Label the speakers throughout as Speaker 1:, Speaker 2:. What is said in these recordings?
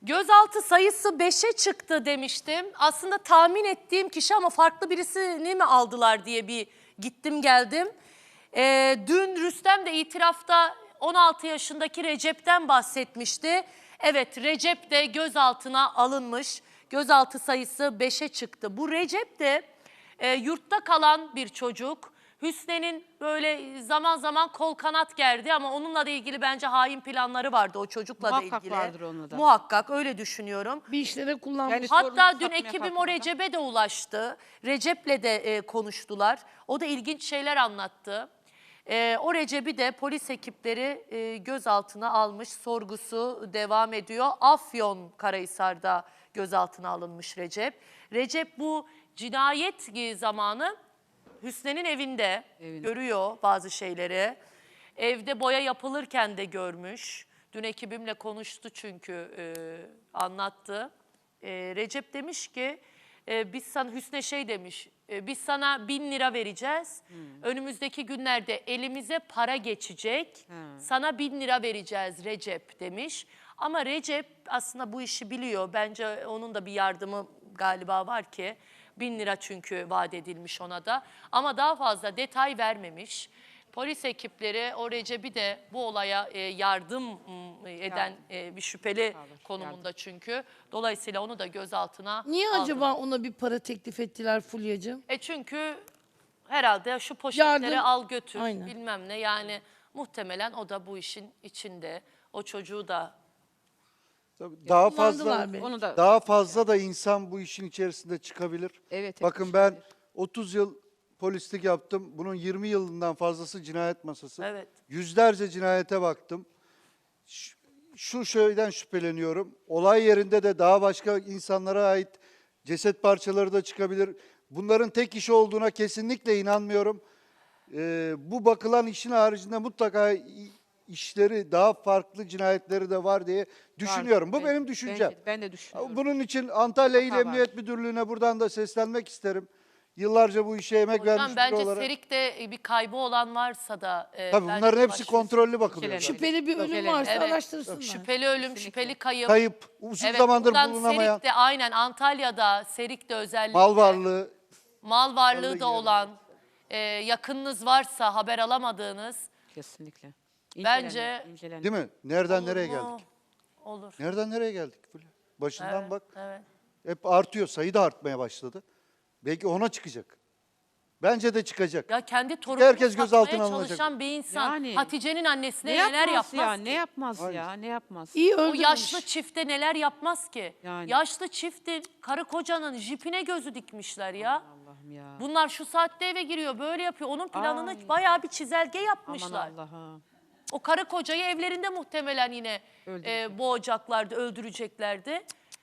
Speaker 1: Gözaltı sayısı 5'e çıktı demiştim. Aslında tahmin ettiğim kişi ama farklı birisini mi aldılar diye bir gittim geldim. Dün Rüstem de itirafta 16 yaşındaki Recep'ten bahsetmişti. Evet, Recep de gözaltına alınmış. Gözaltı sayısı 5'e çıktı. Bu Recep de yurtta kalan bir çocuk. Hüsnü'nün böyle zaman zaman kol kanat gerdi ama onunla da ilgili bence hain planları vardı o çocukla da ilgili.
Speaker 2: Muhakkak vardır onunla da.
Speaker 1: Muhakkak öyle düşünüyorum.
Speaker 3: Bir işlere kullanmış.
Speaker 2: Yani
Speaker 1: Hatta
Speaker 2: sorumluluk
Speaker 1: dün
Speaker 2: atmaya
Speaker 1: ekibim o
Speaker 2: kalkmadan.
Speaker 1: Recep'e de ulaştı. Recep'le de konuştular. O da ilginç şeyler anlattı. O Recep'i de polis ekipleri gözaltına almış. Sorgusu devam ediyor. Afyonkarahisar'da gözaltına alınmış Recep. Recep bu cinayet zamanı Hüsnü'nün evinde görüyor bazı şeyleri. Evde boya yapılırken de görmüş. Dün ekibimle konuştu çünkü anlattı. Recep demiş ki biz sana Hüsnü şey demiş. Biz sana 1000 lira vereceğiz. Önümüzdeki günlerde elimize para geçecek. Sana 1000 lira vereceğiz Recep demiş. Ama Recep aslında bu işi biliyor. Bence onun da bir yardımı galiba var ki. 1000 lira çünkü vaat edilmiş ona da. Ama daha fazla detay vermemiş. Polis ekipleri o Recep'i de bu olaya yardım eden bir şüpheli konumunda çünkü. Dolayısıyla onu da gözaltına
Speaker 3: Niye
Speaker 1: aldı.
Speaker 3: acaba ona bir para teklif ettiler Fulya'cığım?
Speaker 1: Çünkü herhalde şu poşetleri
Speaker 3: Yardım.
Speaker 1: al götür
Speaker 3: Aynen.
Speaker 1: bilmem ne. Yani muhtemelen o da bu işin içinde. O çocuğu da
Speaker 4: Tabii daha
Speaker 3: Kullandılar
Speaker 4: fazla
Speaker 3: beni.
Speaker 2: Onu da
Speaker 4: daha fazla da insan bu işin içerisinde çıkabilir.
Speaker 2: Evet,
Speaker 4: Bakın ben 30 yıl polislik yaptım. Bunun 20 yılından fazlası cinayet masası.
Speaker 1: Evet.
Speaker 4: Yüzlerce cinayete baktım. Şu şeyden şüpheleniyorum. Olay yerinde de daha başka insanlara ait ceset parçaları da çıkabilir. Bunların tek işi olduğuna kesinlikle inanmıyorum. Bu bakılan işin haricinde mutlaka işleri daha farklı cinayetleri de var diye düşünüyorum. Bu benim düşüncem.
Speaker 2: Ben de düşünüyorum.
Speaker 4: Bunun için Antalya İl
Speaker 2: Mutlaka
Speaker 4: Emniyet Müdürlüğü'ne buradan da seslenmek isterim. Yıllarca bu işe emek
Speaker 1: hocam
Speaker 4: vermiş biri
Speaker 1: bence
Speaker 4: olarak.
Speaker 1: Serik'te bir kaybı olan varsa da
Speaker 4: Tabii
Speaker 1: bence
Speaker 4: bunların hepsi
Speaker 1: başvursun.
Speaker 4: kontrollü bakılıyor.
Speaker 2: Şüpheli.
Speaker 3: Şüpheli bir ölüm
Speaker 2: Şüpheli.
Speaker 3: varsa
Speaker 1: Evet.
Speaker 3: araştırsınlar.
Speaker 1: Şüpheli ölüm, şüpheli kayıp.
Speaker 4: Kayıp, uzun
Speaker 1: Evet,
Speaker 4: zamandır
Speaker 1: buradan
Speaker 4: bulunamayan,
Speaker 1: Serik'te aynen Antalya'da, Serik'te özellikle
Speaker 4: mal varlığı.
Speaker 1: mal varlığı da
Speaker 4: giderim.
Speaker 1: olan, yakınınız varsa haber alamadığınız
Speaker 2: Kesinlikle.
Speaker 1: Bence-
Speaker 2: İncelenir.
Speaker 4: Değil mi? Nereden
Speaker 1: olur
Speaker 4: nereye
Speaker 1: mu?
Speaker 4: geldik?
Speaker 1: Olur.
Speaker 4: Nereden nereye geldik? Fulya? Başından
Speaker 1: Evet,
Speaker 4: bak.
Speaker 1: evet.
Speaker 4: Hep artıyor. Sayı da artmaya başladı. Belki ona çıkacak. Bence de çıkacak.
Speaker 1: Ya kendi torununu
Speaker 4: herkes
Speaker 1: satmaya
Speaker 4: gözaltına alınacak.
Speaker 1: çalışan bir insan
Speaker 2: Yani.
Speaker 1: Hatice'nin annesine
Speaker 2: Ne
Speaker 1: neler
Speaker 2: yapmaz
Speaker 1: yapmaz
Speaker 2: ya?
Speaker 1: ki?
Speaker 2: Ne yapmaz ya? Ne yapmaz?
Speaker 3: İyi
Speaker 1: O
Speaker 3: öldürmüş.
Speaker 1: yaşlı çifte neler yapmaz ki?
Speaker 2: Yani.
Speaker 1: Yaşlı çiftin karı kocanın jipine gözü dikmişler ya.
Speaker 2: Allah'ım ya.
Speaker 1: Bunlar şu saatte eve giriyor böyle yapıyor. Onun planını
Speaker 2: Ay.
Speaker 1: bayağı bir çizelge
Speaker 2: Aman
Speaker 1: yapmışlar.
Speaker 2: Allah'ım.
Speaker 1: O karı kocayı evlerinde muhtemelen yine
Speaker 2: Öldürecek.
Speaker 1: boğacaklardı, öldüreceklerdi.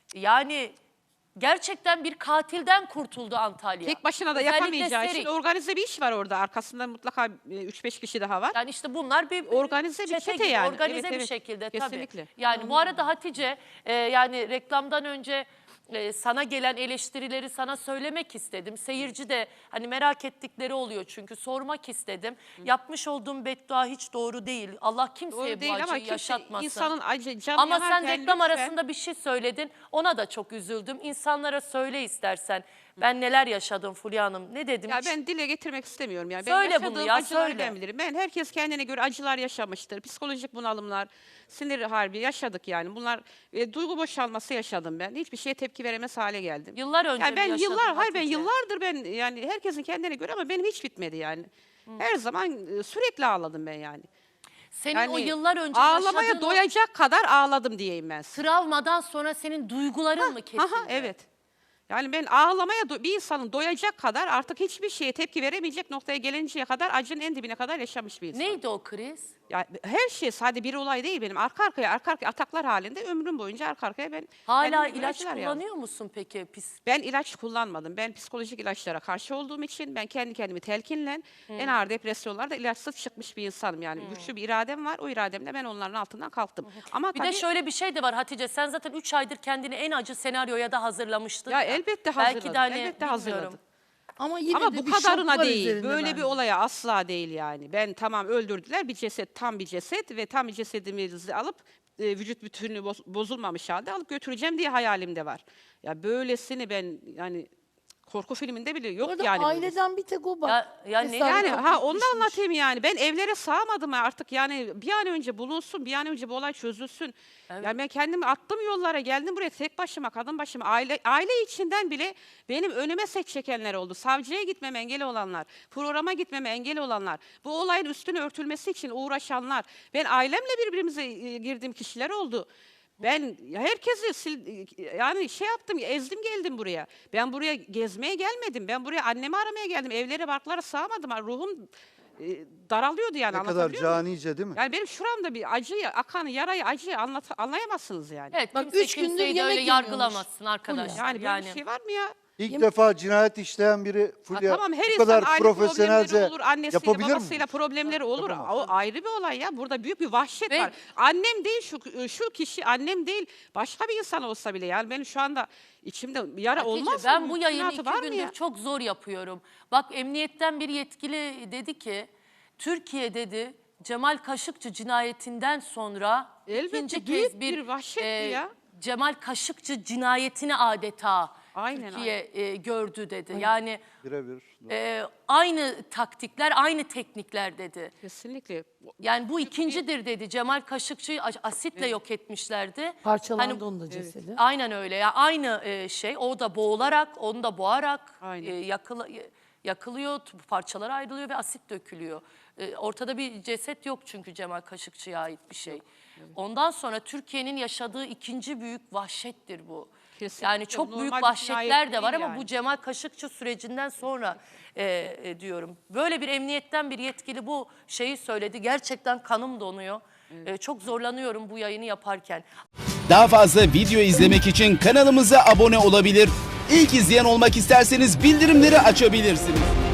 Speaker 1: Yani gerçekten bir katilden kurtuldu Antalya.
Speaker 2: Tek başına da
Speaker 1: Özellikle
Speaker 2: yapamayacağı için
Speaker 1: Serik.
Speaker 2: organize bir iş var orada. Arkasında mutlaka 3-5 kişi daha var.
Speaker 1: Yani işte bunlar bir
Speaker 2: Organize bir çete
Speaker 1: gibi,
Speaker 2: yani.
Speaker 1: organize
Speaker 2: Evet,
Speaker 1: bir
Speaker 2: evet.
Speaker 1: şekilde
Speaker 2: Kesinlikle.
Speaker 1: tabii. Yani bu arada Hatice yani reklamdan önce sana gelen eleştirileri sana söylemek istedim. Seyirci de hani merak ettikleri oluyor çünkü sormak istedim. Yapmış olduğum beddua hiç doğru değil. Allah kimseye
Speaker 2: Doğru
Speaker 1: bu
Speaker 2: değil ama
Speaker 1: acıyı
Speaker 2: kimse
Speaker 1: yaşatmasın.
Speaker 2: insanın acı, canı
Speaker 1: Ama sen
Speaker 2: yanarken
Speaker 1: reklam
Speaker 2: lütfen-
Speaker 1: arasında bir şey söyledin. Ona da çok üzüldüm. İnsanlara söyle istersen. Ben neler yaşadım Fulya Hanım. Ne dedim?
Speaker 2: Ya
Speaker 1: Hiç-
Speaker 2: ben dile getirmek istemiyorum yani. Ben
Speaker 1: Söyle bunu
Speaker 2: yaşadığım
Speaker 1: ya,
Speaker 2: acıları
Speaker 1: söyle.
Speaker 2: ben bilirim. Ben herkes kendine göre acılar yaşamıştır. Psikolojik bunalımlar, sinir harbi yaşadık yani. Bunlar duygu boşalması yaşadım ben. Hiçbir şeye tepki veremez hale geldim.
Speaker 1: Yıllar önce
Speaker 2: yani ben
Speaker 1: mi yaşadın
Speaker 2: ben
Speaker 1: Hatice?
Speaker 2: yıllardır ben yani herkesin kendine göre ama benim hiç bitmedi yani. Her zaman sürekli ağladım ben yani.
Speaker 1: Senin
Speaker 2: Yani
Speaker 1: o yıllar önce
Speaker 2: ağlamaya
Speaker 1: yaşadığın o
Speaker 2: doyacak kadar ağladım diyeyim ben size.
Speaker 1: travmadan sonra senin duyguların mı kesildi?
Speaker 2: Aha, evet. Yani ben ağlamaya bir insanın doyacak kadar artık hiçbir şeye tepki veremeyecek noktaya gelinceye kadar acının en dibine kadar yaşamış bir insan.
Speaker 1: Neydi o kriz?
Speaker 2: Ya her şey sadece bir olay değil benim. Arka arkaya ataklar halinde ömrüm boyunca arka arkaya ben
Speaker 1: Hala
Speaker 2: kendime göre
Speaker 1: ilaç
Speaker 2: acılar
Speaker 1: kullanıyor
Speaker 2: yazdım.
Speaker 1: musun peki?
Speaker 2: Ben ilaç kullanmadım. Ben psikolojik ilaçlara karşı olduğum için ben kendi kendimi telkinle en ağır depresyonlarda ilaçsız çıkmış bir insanım. Yani güçlü bir iradem var. O irademle ben onların altından kalktım. Ama
Speaker 1: Bir
Speaker 2: tabii
Speaker 1: de şöyle bir şey de var Hatice. Sen zaten 3 aydır kendini en acı senaryoya da hazırlamıştın.
Speaker 2: ya elbette hazırladım.
Speaker 1: Belki de hani
Speaker 2: elbette
Speaker 1: bilmiyorum.
Speaker 2: hazırladım.
Speaker 3: Ama yine
Speaker 2: Ama
Speaker 3: de
Speaker 2: bu
Speaker 3: bir şok
Speaker 2: kadarına
Speaker 3: var
Speaker 2: değil.
Speaker 3: üzerinde
Speaker 2: Böyle
Speaker 3: bence.
Speaker 2: bir olaya asla değil yani. Ben tamam öldürdüler bir ceset, tam bir ceset ve tam bir cesedimizi alıp vücut bütünlüğü bozulmamış halde alıp götüreceğim diye hayalimde var. Ya böylesini ben yani korku filminde bile yok
Speaker 3: Orada
Speaker 2: yani. böylesi.
Speaker 3: aileden bir tek o bak.
Speaker 1: Ya ne-
Speaker 3: Tesadüf
Speaker 2: Yani
Speaker 3: kapıyı
Speaker 2: onu da
Speaker 3: düşmüş.
Speaker 2: anlatayım yani. Ben evlere sığamadım artık yani bir an önce bulunsun, bir an önce bu olay çözülsün. Yani ben kendimi attım yollara, geldim buraya tek başıma, kadın başıma, aile içinden bile benim önüme set çekenler oldu. Savcıya gitmeme engel olanlar, programa gitmeme engel olanlar, bu olayın üstünü örtülmesi için uğraşanlar. Ben ailemle birbirimize girdiğim kişiler oldu. Ben herkesi yani şey yaptım, ezdim geldim buraya. Ben buraya gezmeye gelmedim. Ben buraya annemi aramaya geldim. Evlere, barklara sığamadım. Ruhum daralıyordu yani.
Speaker 4: Ne kadar
Speaker 2: anlatabiliyor muyum?
Speaker 4: canice değil mi?
Speaker 2: Yani benim şuramda bir acıyı, akan yarayı, acıyı anlayamazsınız yani.
Speaker 1: Evet,
Speaker 3: Bak,
Speaker 1: kimse
Speaker 3: 3 gündür
Speaker 1: kimseyi de
Speaker 3: yemek
Speaker 1: öyle
Speaker 3: yemiyormuş.
Speaker 1: yargılamazsın arkadaşlar.
Speaker 2: Yani böyle bir şey var mı ya?
Speaker 4: İlk defa cinayet işleyen biri Fulya
Speaker 2: Tamam her
Speaker 4: bu
Speaker 2: insan
Speaker 4: kadar
Speaker 2: aile
Speaker 4: profesyonelce
Speaker 2: problemleri olur, annesiyle
Speaker 4: yapabilir mi?
Speaker 2: babasıyla problemleri olur. O ayrı bir olay ya. Burada büyük bir vahşet
Speaker 1: Ve-
Speaker 2: var. Annem değil şu kişi, annem değil. Başka bir insan olsa bile yani benim şu anda içimde yara
Speaker 1: Hatice,
Speaker 2: olmaz mı?
Speaker 1: ben bu yayını
Speaker 2: Mümkünatı
Speaker 1: 2
Speaker 2: var mı
Speaker 1: gündür
Speaker 2: ya?
Speaker 1: çok zor yapıyorum. Bak emniyetten bir yetkili dedi ki Türkiye dedi Cemal Kaşıkçı cinayetinden sonra
Speaker 2: Elbette,
Speaker 1: ikinci
Speaker 2: büyük
Speaker 1: kez
Speaker 2: bir vahşet bu ya.
Speaker 1: Cemal Kaşıkçı cinayetini adeta
Speaker 2: Aynen,
Speaker 1: Türkiye gördü dedi. Yani
Speaker 4: Birebir.
Speaker 1: aynı taktikler, aynı teknikler dedi.
Speaker 2: Kesinlikle.
Speaker 1: Yani bu ikincidir dedi. Cemal Kaşıkçı'yı asitle yok etmişlerdi.
Speaker 3: Parçalandı
Speaker 1: Hani-
Speaker 3: onun da cesedi.
Speaker 1: Aynen öyle ya. Aynı şey. O da boğularak, onu da boğarak
Speaker 2: Aynen.
Speaker 1: yakılıyor, parçalar ayrılıyor ve asit dökülüyor. Ortada bir ceset yok çünkü Cemal Kaşıkçı'ya ait bir şey. Ondan sonra Türkiye'nin yaşadığı ikinci büyük vahşettir bu.
Speaker 2: Kesinlikle.
Speaker 1: Yani çok
Speaker 2: Normal
Speaker 1: büyük
Speaker 2: bir
Speaker 1: vahşetler
Speaker 2: cinayet
Speaker 1: de var
Speaker 2: değil
Speaker 1: ama
Speaker 2: yani.
Speaker 1: bu Cemal Kaşıkçı sürecinden sonra diyorum. Böyle bir emniyetten bir yetkili bu şeyi söyledi. Gerçekten kanım donuyor. Çok zorlanıyorum bu yayını yaparken.
Speaker 5: Daha fazla video izlemek için kanalımıza abone olabilir. İlk izleyen olmak isterseniz bildirimleri açabilirsiniz.